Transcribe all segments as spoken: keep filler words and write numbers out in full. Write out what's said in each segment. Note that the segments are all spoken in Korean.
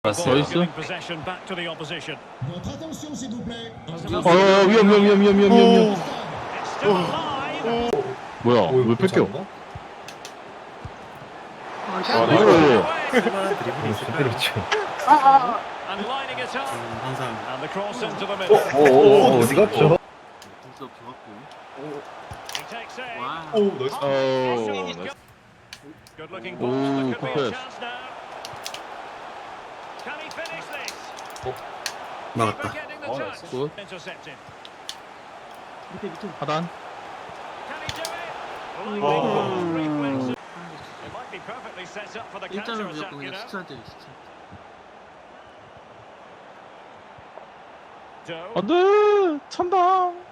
더 있어? 어 어, 위험 위험 위험 위험 위험 위험. 뭐야 왜 뺏겨? 아이고. 쓸만한 드리블이 있을까요? 항상 오오오 어디 갔죠? 오 나이스. 어. 오 굿패스. 막았다. 굿. 하단. 일단은 무조건 그냥 스트라이크 스트라이크. 안돼 찬당.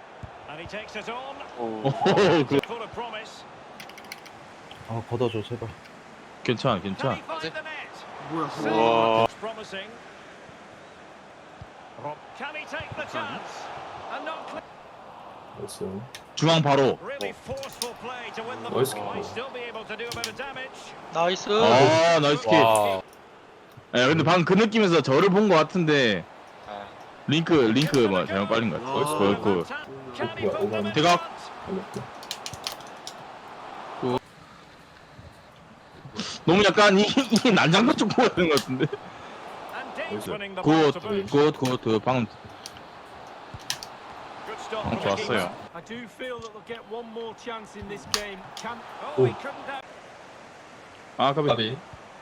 오 그. 아 걷어줘 제발. 괜찮아 괜찮아. 뭐야? 와. 나이스. 중앙 바로. 나이스 나이스. 아 나이스 킥. 예 근데 방금 그 느낌에서 저를 본 것 같은데 링크 링크 뭐 잘못 빨린 것 같아. 나이스 보였고. 대각. 너무 약간 이, 이 난장판 쪽 보여야 것 같은데. 굿굿굿굿 방금 방금 좋았어요. I do feel that they'll get one more chance in this game. Can Oh. oh, he couldn't have. 아 까비. 까비.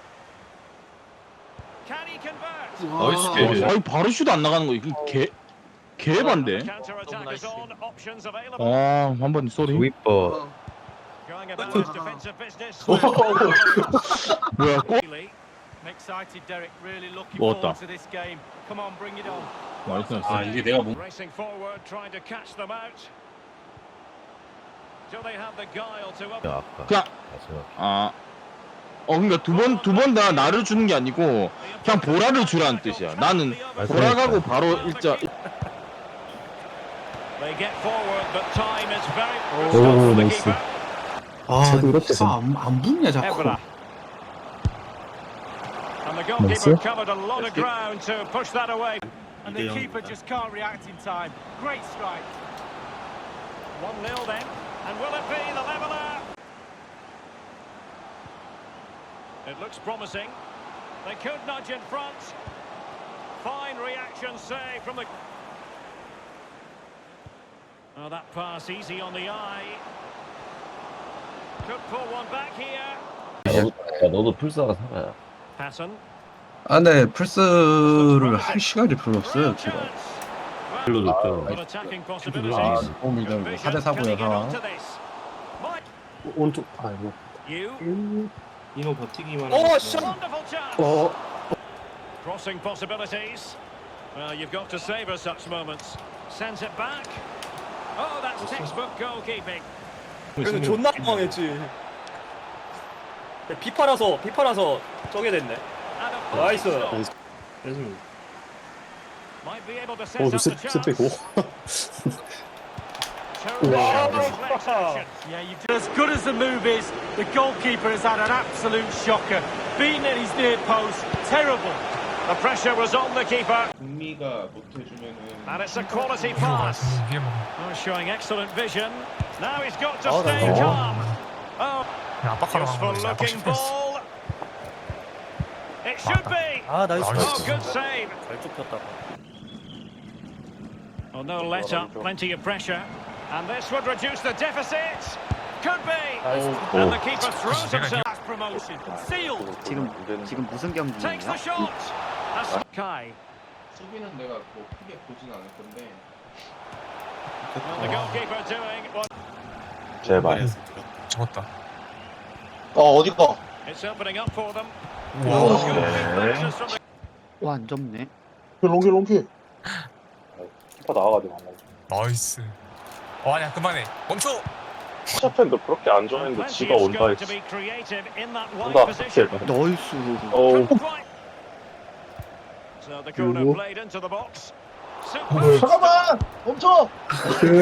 Can he convert? 나이스 어, 게임. 아이 바로 슛 안 나가는 거 이거 개 개반데. Counter-attack is on. Options available. 아 한번 쏘리. 윗버. Going about his defensive business. 뭐야 골? Really excited, Derek. Really looking 먹었다. forward to this game. Come on, bring it on. 나이스 나이스. 아 이게 내가 뭐? Racing forward, trying to catch them out. Do they have the guile to up? 아까 그냥 마지막. 아. 어 그러니까 두 번 두 번 다 나를 주는 게 아니고 그냥 보라를 주라는 뜻이야. 나는 보라 가고 바로 일자. They get forward, but time is very. 오, Good stop for the 나이스. keeper. 아 이거 안, 안 붙냐 자꾸. Evra. And the goalkeeper covered a lot of ground to push that away. And the keeper just can't react in time. Great strike. one nil then. And will it be the leveller? It looks promising. They could nudge in front. Fine reaction save from the... Oh, that pass easy on the eye. Could pull one back here. 너도, 야 너도 풀사가 살아야. Patton. 아, 네 플스를 할 시간이 별로 없어요 지금. 별로 좋죠. But attacking 아, possibilities. 오늘 사 대 사고요 상황. 오른쪽 아이고. You. 이노 버티기만. Oh, wonderful chance. 어. Crossing possibilities. Well, you've got to savour such moments. Sends it back. Oh, that's textbook goalkeeping. 그래서 존나 당황했지. 비파라서 비파라서 저게 됐네. And a 나이스. stop. Might be able to set up the chance. Terrific reflex action. Yeah, you do. As good as the move is, the goalkeeper has had an absolute shocker. Beaten at his near post. Terrible. The pressure was on the keeper. And it's a quality pass. Oh, showing excellent vision. Now he's got to stay calm. Oh, useful looking ball. It should be. 아 나이스. Oh, good save. 잘 쫓겼다. Oh, no let up. Plenty of pressure. And this would reduce the deficit. Could be. And the keeper throws himself. Promotion. Sealed. 지금 지금 무슨 Takes the 경기예요? shot. That's Kai. 수비는 내가 뭐 크게 보진 않을 건데. Well, the goalkeeper doing what 제발. 잡았다. it's opening up for them. 와. Good reflexes from the 와, 안 접네. 키퍼 나와가지고. 나이스. 어 아니야 그만해. 멈춰. 샤펜도 그렇게 안 좋아했는데 plenty 지가 of 온다 scope to 했지. be creative in that wide 온다. position. 나이스. 어우. Quite. So the corner played into the box. Super. 잠깐만 멈춰.